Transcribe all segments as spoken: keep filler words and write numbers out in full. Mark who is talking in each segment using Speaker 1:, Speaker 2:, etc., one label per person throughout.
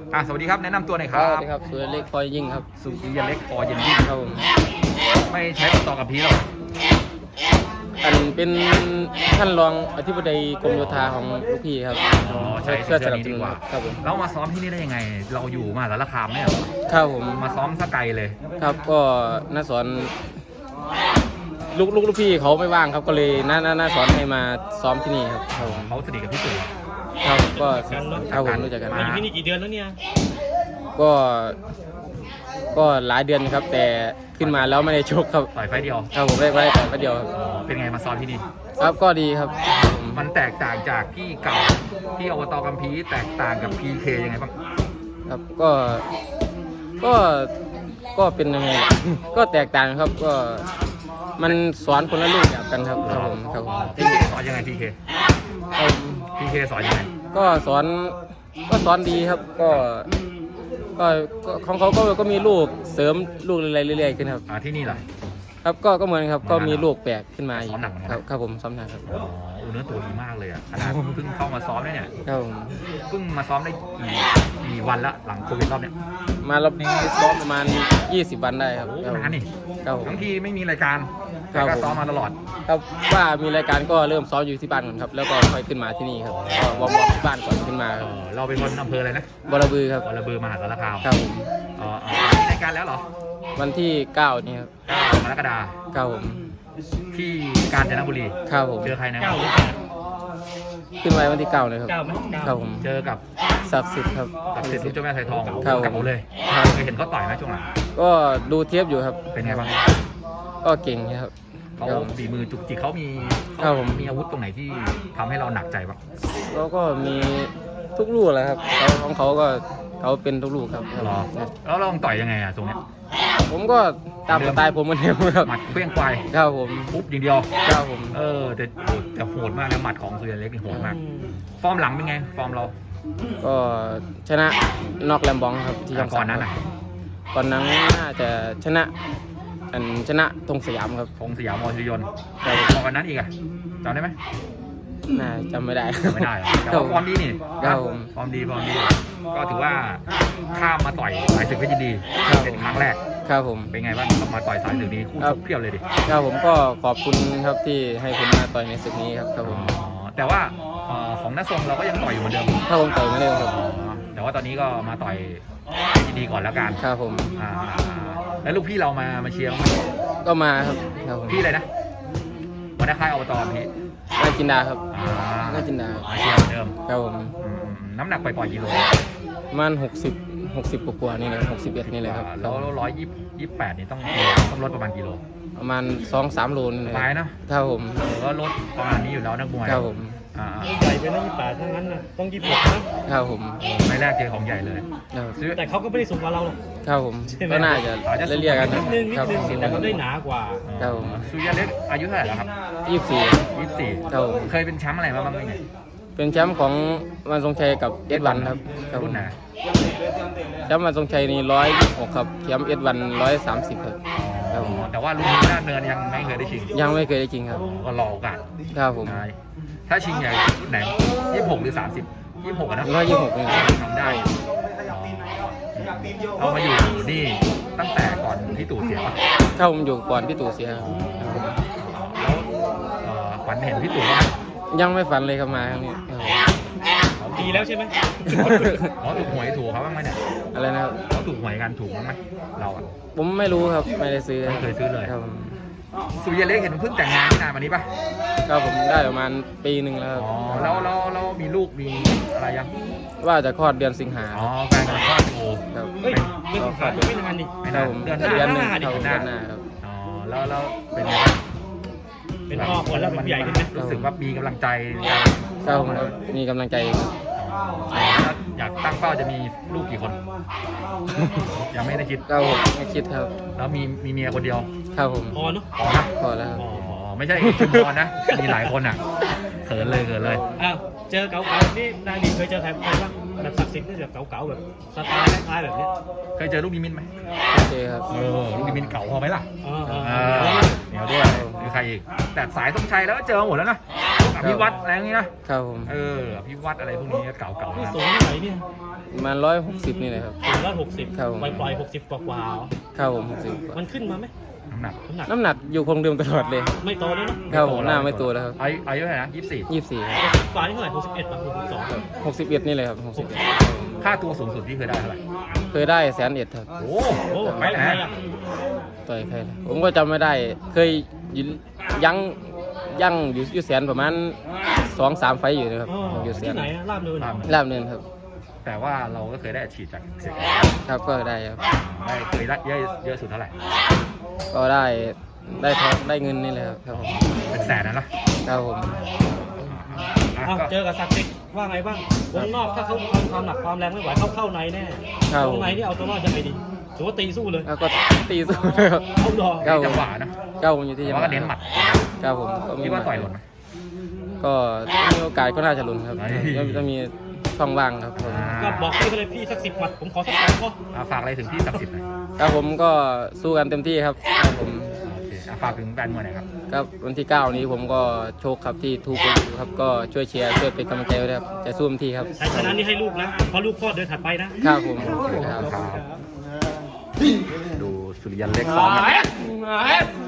Speaker 1: อ่ะสวัสดีครับแนะนำตัวหน่อยค
Speaker 2: ส
Speaker 1: รับ
Speaker 2: วัสดีครับสุรเล็กพลอยยิ่งครับ
Speaker 1: สุริยเล็กพอเย็นยิ่ง
Speaker 2: ครับผม
Speaker 1: ไม่ใช้ต่อกับพีหรอก
Speaker 2: อันเป็นท่านรองอธิบดีกรมโยธาของลูกพี่ครับ
Speaker 1: อ๋อใช้
Speaker 2: ช่วยส
Speaker 1: เสื้อ
Speaker 2: นับ
Speaker 1: นี้
Speaker 2: ส
Speaker 1: ดี
Speaker 2: นุน
Speaker 1: กว่า
Speaker 2: ครับผม
Speaker 1: แล้วมาซ้อมที่นี่ได้ยังไง เราอยู่มหาสารคามเนี่ยเหรอ
Speaker 2: ครับผม
Speaker 1: มาซ้อมสกไกลเลย
Speaker 2: ครับก็น้าสอนลูกลูกลูกพี่เขาไม่ว่างครับก็เลยน้าน้าน้าสอนให้มาซ้อมที่นี่ครับครับผม
Speaker 1: เขาสนิทกับพี่ตู่
Speaker 2: ครับก็ครับผมรู้จักกัน
Speaker 1: มา
Speaker 3: อยู่ที่นี่กี่เดือนแล้วเนี่ย
Speaker 2: ก็ก็หลายเดือนครับ แต่ขึ้นมาแล้วไม่ได้ชกครับ
Speaker 1: ต่อยไฟต์เดียว
Speaker 2: ครับผมได้ไว้แต่ประเดียวครับ
Speaker 1: อ๋อเป็นไงมาซ้อมที่นี่
Speaker 2: ครับก็ดีครับผม
Speaker 1: มันแตกต่างจากที่เก่าที่อบตกัมพีแตกต่างกับ พี เค ยังไงบ้าง
Speaker 2: ครับก็ก็ก็เป็นยังไง ก็แตกต่างครับก็มันสอนคนละรูปแบบกันครับครับผมครับผม
Speaker 1: พี เค สอนยังไง พี เค
Speaker 2: ครับ
Speaker 1: พี เค สอนยังไง
Speaker 2: ก็สอนก็สอนดีครับก็ก็ก็ของเขาก็ก็มีลูกเสริมลูกอะไรเรื่อยๆขึ้นครับ
Speaker 1: อ่าที่นี่เหรอ
Speaker 2: ครับก็ก็เหมือนครับก็มีลูกแปลกขึ้นมาอีก
Speaker 1: ซ้อมหนักเหมือนกัน
Speaker 2: ครับครับผมซ้อมหนักครับ
Speaker 1: อ๋ออูเนื้อตัวดีมากเลยอ่ะขนาดเพิ่งเข้ามาซ้อมได้เนี่ย
Speaker 2: ครับผม
Speaker 1: เพิ่งมาซ้อมได้กี่กี่วันละหลังโควิดรอบเนี้ย
Speaker 2: มารอบนี้ซ้อมประมาณยี่สิบวันได้ครับ
Speaker 1: โอ้
Speaker 2: ครับผม
Speaker 1: นานนี่
Speaker 2: ครับผม
Speaker 1: ทั้งที่ไม่มีรายการ
Speaker 2: ครั
Speaker 1: แต่
Speaker 2: บ
Speaker 1: ก็ซ้อมมาตลอด
Speaker 2: ครับว่ามีรายการก็เริ่มซ้อมอยู่ที่บ้านก่อนครับแล้วก็ค่อยขึ้นมาที่นี่ครับก็วอร์มวอร์มที่บ้านก่อนขึ้นมา
Speaker 1: เอ
Speaker 2: ครับ
Speaker 1: อเราเป็นคนอำเภออะไรนะ
Speaker 2: บรบือครับ
Speaker 1: วรบือมหาสารคาม
Speaker 2: ครับผม
Speaker 1: อ๋ออ๋อมีรายการแล้วเหรอ
Speaker 2: วันที่เก้านี่ครับ
Speaker 1: เก้ากรกฎาคม
Speaker 2: ครับผม
Speaker 1: ที่กาญจนบุรี
Speaker 2: ครับผม
Speaker 1: เจอใครนะ
Speaker 3: เก้าหรือแปด
Speaker 2: ขึ้นไว้วันที่เก้าเลยครับ
Speaker 3: เก้าไหมเก้า
Speaker 2: ครับผม
Speaker 1: เจอกับ
Speaker 2: ศักดิ์สิทธิ์ครับ
Speaker 1: กับเศรษฐีเจ้าแม่ไทยทอง
Speaker 2: ครับ
Speaker 1: กับผมเลย
Speaker 2: ครับ
Speaker 1: เคยเห็นเขาต่อยไหมช่วงหลัง
Speaker 2: ก็ดูเทียบอยู่ครับ
Speaker 1: เป็นไงบ้าง
Speaker 2: ก็เก่งครับ
Speaker 1: เขา
Speaker 2: ครับ
Speaker 1: ฝีมือจุกจิกเขามี
Speaker 2: ครับผม
Speaker 1: มีอาวุธตรงไหนที่ทำให้เราหนักใจบ้าง
Speaker 2: แล้วก็มีทุกลูกแหละครับเขาของเขาก็เขาเป็นทุกลูกครับครับ
Speaker 1: หรอแล้วเราต้องต่อยยังไงอะตรงเนี้ย
Speaker 2: ผมก็ตามสไตล์ผมเหมือนเดิมครับ
Speaker 1: หมัดเคลื่องควาย
Speaker 2: ครับผม
Speaker 1: ปุ๊บอย่างเดียว
Speaker 2: ครับผม
Speaker 1: เออแต่โหดแต่โหดมากนะหมัดของสุริยเล็กนี่โหดมาก ฟอร์มหลังเป็นไง ฟอร์มเรา
Speaker 2: ก็ชนะนอกแลมบองครับที่ช่อง
Speaker 1: ก่อนนั้นอ่ะ
Speaker 2: ก่อนนั้นน่าจะชนะอันชนะธงสยามครับ
Speaker 1: ธงสยามมอชิรยนต์
Speaker 2: ครับ
Speaker 1: ก่อนนั้นอีกอะจำได้ไหม
Speaker 2: น่าจำไม่ได้
Speaker 1: จำไม่ได้เหรอแต่ว่าฟอร์มดีนี่
Speaker 2: ครับผม
Speaker 1: ฟอร์มดีฟอร์มดี ก็ถือว่าข้ามมาต่อยสายศึกเพชรยินดี
Speaker 2: ครับ
Speaker 1: เป็นครั้งแรก
Speaker 2: ครับผม
Speaker 1: เป็นไงบ้างมาต่อยสายศึกนี้คู่ชกเพียบเลยดิ
Speaker 2: ครับผมก็ขอบคุณครับที่ให้ผมมาต่อยในศึกนี้ครับครับผม
Speaker 1: อ๋อแต่ว่าเอ่อของน้าทรงเราก็ยังต่อยอยู่เหมือนเดิม
Speaker 2: ถ้าผมต่อยไม่ได้ครับ
Speaker 1: อ๋อแต่ว่าตอนนี้ก็มาต่อยยินดีก่อนแล้วกัน
Speaker 2: ครับผม
Speaker 1: อ่าแล้วลูกพี่เรามามาเชียร์ไหม
Speaker 2: ก็มาครับครับผม
Speaker 1: พี่อะไรนะวันนี้ค่ายอบตพี่
Speaker 2: น่าจินดาครับ
Speaker 1: อ่า
Speaker 2: น่าจินดาครับ
Speaker 1: มาเชียร์เหมือนเดิม
Speaker 2: ครับผม
Speaker 1: อืมน้ำหนักปล่อยๆกิโล
Speaker 2: ประมาณหกสิบหกสิบกว่าๆนี่แหละหกสิบเอ็ดนี่แหละครับ
Speaker 1: แล้วร้อยยี่ยี่แปดนี่ต้องต้องลดประมาณกิโล
Speaker 2: ประมาณสองสามโลนี่แหละ
Speaker 1: ตายเนอะ
Speaker 2: ครับผม
Speaker 1: เออก็ลดประมาณนี้อยู่แล้วนักมวย
Speaker 2: ครับผม
Speaker 1: อ่า
Speaker 3: ใหญ่ไปนะยี่สิบแปดทั้งนั้นนะต้องยี่สิบหกนะครับ
Speaker 2: ผม
Speaker 1: ไม่แรกเจอของใหญ่เลย
Speaker 2: ครับ
Speaker 1: ซื้อ
Speaker 3: แต่เขาก็ไม่ได้สูงกว่าเราหรอก
Speaker 2: ครับผม
Speaker 3: ใช่ไหม
Speaker 2: ก็น่าจะ
Speaker 1: อาจจะสูง
Speaker 2: เรียกๆกัน
Speaker 3: นิดนึงนิ
Speaker 2: ครั
Speaker 3: ด
Speaker 2: บ
Speaker 3: นึงแต่เขาได้หนากว่า
Speaker 2: ครับผม
Speaker 1: สุริยเล็กอายุเท่าไหร่แล้วครับ
Speaker 2: ยี่สิบสี่
Speaker 1: ยี่สิบสี่
Speaker 2: ครับผม
Speaker 1: เคยเป็นแชมป์อะไรมาบ้างไหมเนี่ย
Speaker 2: เป็นแชมป์ของวันทรงชัยกับเอสวันครับครับผ
Speaker 1: รุ่
Speaker 2: ม
Speaker 1: นไหน
Speaker 2: แชมป์วันทรงชัยนี่ร้อยยี่สิบหกครับแชมป์เอสวันร้อยสามสิบครับ ครับผม
Speaker 1: แต่ว่ารุ่นนี้หน้าเนินยังไม่เคยได้ชิง
Speaker 2: ยังไม่เคยได้จริงครับ
Speaker 1: ก็รอโอกาส
Speaker 2: ครับผม
Speaker 1: ได้ถ้าชิงใหญ่รุ่นไหนยี่สิบหกหรือสามสิบยี่สิบหกอะนะ
Speaker 2: ร้อยยี่สิบหกนี่
Speaker 1: ทำได้อ๋อเรามาอยู่นี่ตั้งแต่ก่อนพี่ตู่เสียป่ะ
Speaker 2: ถ้าผมอยู่ก่อนพี่ตู่เสียครับครับผม
Speaker 1: แล้วเอ่อฝันเห็นพี่ตู่ไหม
Speaker 2: ยังไม่ฝันเลยครับมาครั้งนี้ครับผม
Speaker 3: ดีแล้วใช่ไหม
Speaker 1: เขาถูกหวยถูกเขาบ้างไหมเนี่ย
Speaker 2: อะไรนะครับ
Speaker 1: เขาถูกหวยกันถูกบ้างไหมเราอะ
Speaker 2: ผมไม่รู้ครับไม่ได้ซื้อ
Speaker 1: ไม่เคยซื้อเลย
Speaker 2: ครับผม
Speaker 1: สุริยเล็กเห็นเพิ่งแต่งงานไม่นานมานี้ป่ะ
Speaker 2: ครับผมได้ประมาณปีหนึ่งแล้วครับ
Speaker 1: อ๋อแล้วแล้วแล้วมีลูกมีอะไรยัง
Speaker 2: ว่าจะคลอดเดือนสิงหา
Speaker 1: อ๋อแฟนกำลังคลอดอยู่
Speaker 2: ครับ
Speaker 3: เฮ้ยเรื่องขาดไม่นานนี่
Speaker 1: ไม่
Speaker 2: ครั
Speaker 1: นา
Speaker 2: บ
Speaker 1: น
Speaker 2: ผม
Speaker 1: เดือนห
Speaker 2: เดือนหนึ่ง
Speaker 1: น้า
Speaker 2: ครับ
Speaker 1: เดือนห
Speaker 2: เดื
Speaker 1: น้า
Speaker 2: อนหน้าครับ
Speaker 1: อ๋อแล้วแล้วเป็นไงบ้าง
Speaker 3: เป็นพ่อคนแล้วเป็นผู้ใหญ่ขึ้นไหม
Speaker 1: รู้สึกว่ามีกำลังใจ
Speaker 2: ครับผมครับมีกำลังใจครับ
Speaker 1: อ๋อแล้วอยากตั้งเป้าจะมีลูกกี่คน ยังไม่ได้คิด
Speaker 2: ครับผมไม่คิดครับ
Speaker 1: แล้วมีมีเมียคนเดียว
Speaker 2: ครับผม
Speaker 3: พอเนาะ
Speaker 1: พอนะ
Speaker 2: พอแล้วครับ
Speaker 1: อ๋อไม่ใช่ชุมพรนะ มีหลายคนอ่ะเขินเลยเขินเลย
Speaker 3: อ้าวเจอเก๋าๆนี่นายดีเคยเจอใครใครบ้างแบบศักดิ์สิทธิ์นี่แบบเก๋าๆแบบสไตล์คล้ายๆแบบเนี้ย
Speaker 1: เคยเจอลูกนิมิตไหม
Speaker 2: โอเคครับ
Speaker 1: เออลูกนิมิตเก่าพอไหมล่ะ
Speaker 3: อ๋ออ๋อ
Speaker 1: อ่าเหนียวด้วยมีใครอีกแต่สายต้องชัยแล้วก็เจอหมดแล้วนะอภิวัตรอะไรอย่างนี้นะครับ
Speaker 2: ผม
Speaker 1: เอออภิวัตรอะไรพวกนี้ก็เก่าๆ
Speaker 3: นี่
Speaker 1: นะ
Speaker 3: สูงเท่าไหร่เนี่ย
Speaker 2: ประมาณร้อยหกสิบนี่แหละครับ
Speaker 3: สูงร้อยหกสิบ
Speaker 2: ครับผม
Speaker 3: ปล่อยปล่อยหกสิบกว่ากว่าๆเหรอ
Speaker 2: ครับผมหกสิบ
Speaker 3: มันขึ้นมาไหม
Speaker 1: น้ำหนัก
Speaker 3: น้ำหนัก
Speaker 2: น้ำหนักอยู่คงเดิมตลอดเลย
Speaker 3: ไม่โตเลยเนาะ
Speaker 2: ครับผมหน้าไม่ตัวแล้วครับ
Speaker 1: อายุอายุเท่าไหร่นะยี่สิบสี่
Speaker 2: ยี่สิบสี่ครับ
Speaker 3: กว่านี่เท่าไหร่หกสิบเอ็ดป่ะหกสิบสอง
Speaker 2: หกสิบเอ็ดนี่เลยครับหกสิบ
Speaker 1: ค่าตัวสูงสุดที่เคยได้เท่าไหร่
Speaker 2: เคยได้แสนเอ็ดครับ
Speaker 1: โอ้
Speaker 3: โอ้
Speaker 1: ไป
Speaker 3: ไป
Speaker 1: ไหน
Speaker 3: ไหน
Speaker 1: อะ
Speaker 3: อ่ะ
Speaker 2: ต่อยใครนะผมก็จำไม่ได้ เคยยืนยั้งยั่งอยู่อยู่แสนประมาณสองสามไฟต์อยู่นะครับ
Speaker 3: อ๋อ
Speaker 2: อยู่แส
Speaker 3: ที่
Speaker 2: น
Speaker 3: ไหนอะลาบเนินเหรอ
Speaker 2: ลาบเนินครับ
Speaker 1: แต่ว่าเราก็เคยได้อัดฉีดจากเสีย
Speaker 2: ครับก็ได้ครับ
Speaker 1: ได้เคยได้เยอะเยอะสุดเท่าไหร่
Speaker 2: ก็ได้ได้ทองได้เงินนี่เลยครับครับผม
Speaker 1: เป็นแสนนะเนาะ
Speaker 2: ครับผม
Speaker 1: อ่ะ
Speaker 3: อ้าว
Speaker 1: ก็
Speaker 3: เจอกับศักดิ์สิทธิ์ว่าไงบ้างวงนอกถ้าเขาเอาความหนักความแรงไม่ไหวเข้าเข้าในแน่
Speaker 2: ครับ
Speaker 3: วงในนี่เอาตัวรอดยังไงดีถือว่าตีสู้เลย
Speaker 2: แล้วก็ตีสู้เลยครับ
Speaker 3: เอาดอก
Speaker 2: ครับ
Speaker 1: จังหวะนะ
Speaker 2: เก้าผมอยู่ที่
Speaker 1: แต่ว่าก็เน้นหมัด
Speaker 2: ครับผมก็มี
Speaker 1: คิดว่าต่อยหล่นไหม
Speaker 2: ก็มีโอกาสก็น่าจะลุ้นครับ
Speaker 1: เฮ้ย
Speaker 2: ยังจะมีช่องว่างครับผม
Speaker 3: ก็บอกพี่เขาเลยพี่สักสิบหมัดผมขอสักสองข้อ
Speaker 1: อ่ะฝากอะไรถึงพี่ศักดิ์สิทธิ์หน่อย
Speaker 2: ครับผมก็สู้กันเต็มที่ครับครับผม
Speaker 1: โอเคอ่ะฝากถึงแฟนมวยหน่อยครับ
Speaker 2: ครับวันที่เก้านี้ผมก็โชคครับที่ทูกครับก็ช่วยเชียร์ช่วยเป็นกำลังใจไว้ด้วยครับจะสู้เต็มที่ครับ
Speaker 3: ชัยชนะนี่ให้ลูกนะเพราะลูกพ่อเดินถัดไปนะครับ
Speaker 2: ผมครับ
Speaker 1: ครับดูสุริยันเล็กซ้อมกัน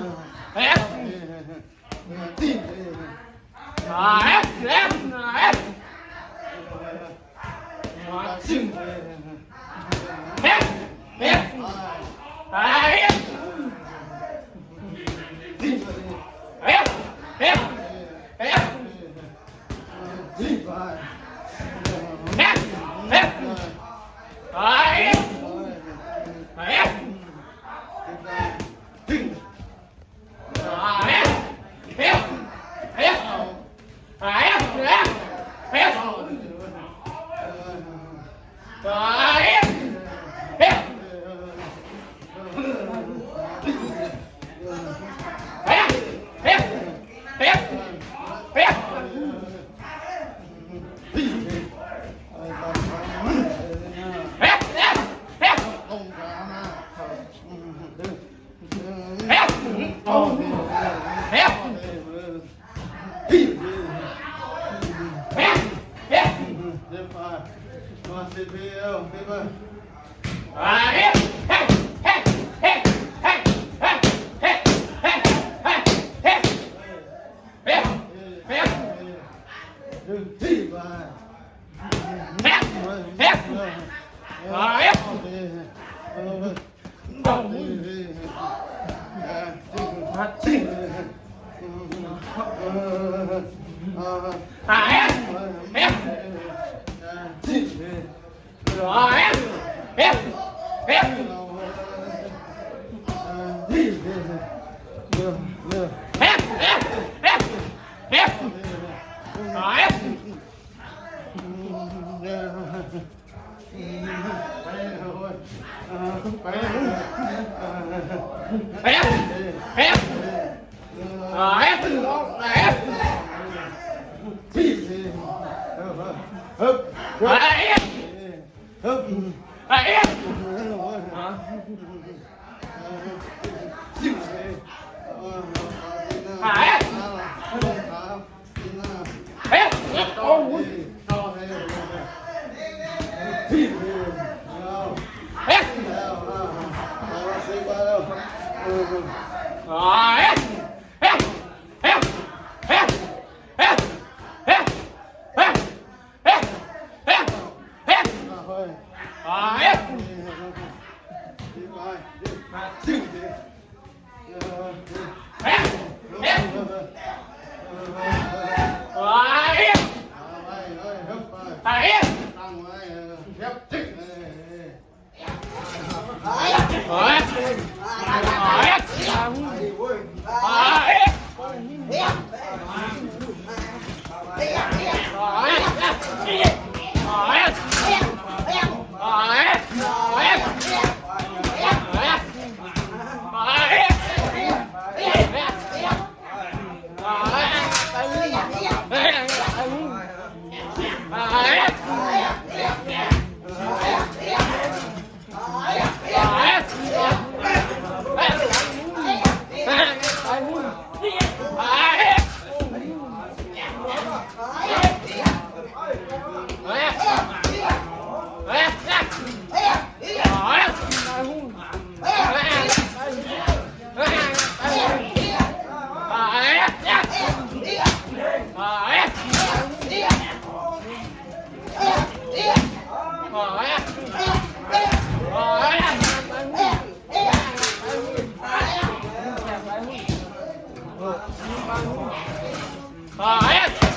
Speaker 2: Ah,